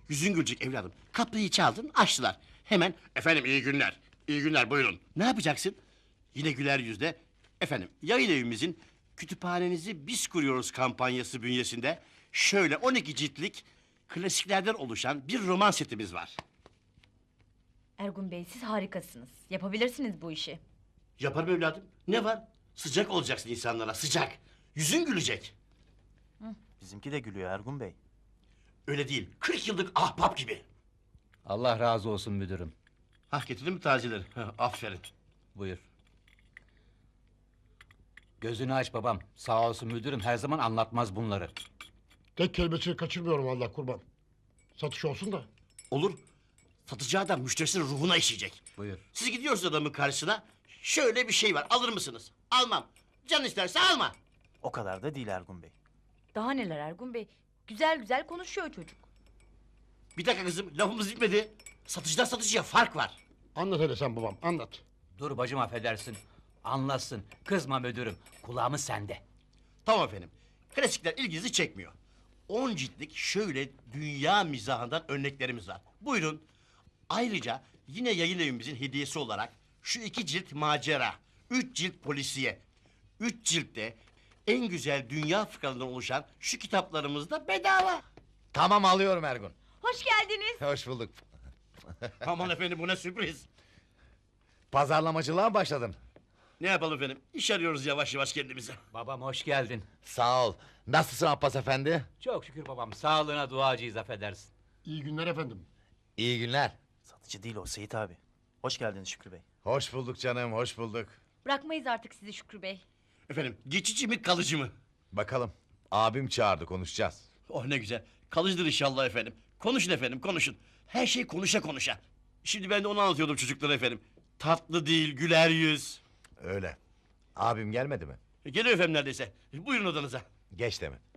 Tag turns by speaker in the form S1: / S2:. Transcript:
S1: Yüzün gülecek evladım. Kapıyı çaldın, açtılar. Hemen, efendim iyi günler, iyi günler buyurun. Ne yapacaksın? Yine güler yüzle, efendim yayın evimizin kütüphanenizi biz kuruyoruz kampanyası bünyesinde... ...şöyle 12 ciltlik klasiklerden oluşan bir roman setimiz var.
S2: Ergun Bey, siz harikasınız. Yapabilirsiniz bu işi.
S1: Yaparım evladım. Ne var? Sıcak olacaksın insanlara, sıcak. Yüzün gülecek.
S3: Bizimki de gülüyor Ergun Bey.
S1: Öyle değil, 40 yıllık ahbap gibi.
S4: Allah razı olsun müdürüm.
S1: Hah, getirdin mi tazeleri? Hah, aferin.
S4: Buyur. Gözünü aç babam. Sağ olsun müdürüm, her zaman anlatmaz bunları.
S5: Tek kelimesini kaçırmıyorum Allah kurban. Satış olsun da.
S1: Olur. Satıcı adam müşterisinin ruhuna işleyecek.
S4: Buyur.
S1: Siz gidiyorsunuz adamın karşısına. Şöyle bir şey var, alır mısınız? Almam. Can isterse alma.
S3: O kadar da değil Ergun Bey.
S2: Daha neler Ergun Bey? Güzel güzel konuşuyor çocuk.
S1: Bir dakika kızım, lafımız bitmedi. Satıcıdan satıcıya fark var.
S5: Anlat hele sen babam, anlat.
S4: Dur bacım, affedersin. Anlatsın. Kızma müdürüm. Kulağımız sende.
S1: Tamam efendim. Klasikler ilginizi çekmiyor. 10 ciltlik şöyle dünya mizahından örneklerimiz var. Buyurun. Ayrıca yine yayın evimizin hediyesi olarak şu 2 cilt macera, 3 cilt polisiye, 3 ciltte en güzel dünya fıkralarından oluşan şu kitaplarımız da bedava.
S6: Tamam, alıyorum Ergun.
S2: Hoş geldiniz.
S6: Hoş bulduk.
S1: Aman efendim, bu ne sürpriz.
S6: Pazarlamacılığa başladın.
S1: Ne yapalım efendim? İş arıyoruz yavaş yavaş kendimize.
S4: Babam hoş geldin.
S6: Sağ ol. Nasılsın Abbas efendi?
S4: Çok şükür babam. Sağlığına duacıyız, affedersin.
S5: İyi günler efendim.
S6: İyi günler.
S3: Satıcı değil o Seyit abi. Hoş geldiniz Şükrü Bey.
S6: Hoş bulduk canım, hoş bulduk.
S2: Bırakmayız artık sizi Şükrü Bey.
S1: Efendim, geçici mi kalıcı mı?
S6: Bakalım. Abim çağırdı, konuşacağız.
S1: Oh ne güzel. Kalıcıdır inşallah efendim. Konuşun efendim, konuşun. Her şey konuşa konuşa. Şimdi ben de onu anlatıyordum çocuklara efendim. Tatlı değil, güler yüz.
S6: Öyle. Abim gelmedi mi?
S1: Geliyor efendim neredeyse. Buyurun odanıza.
S6: Geç deme.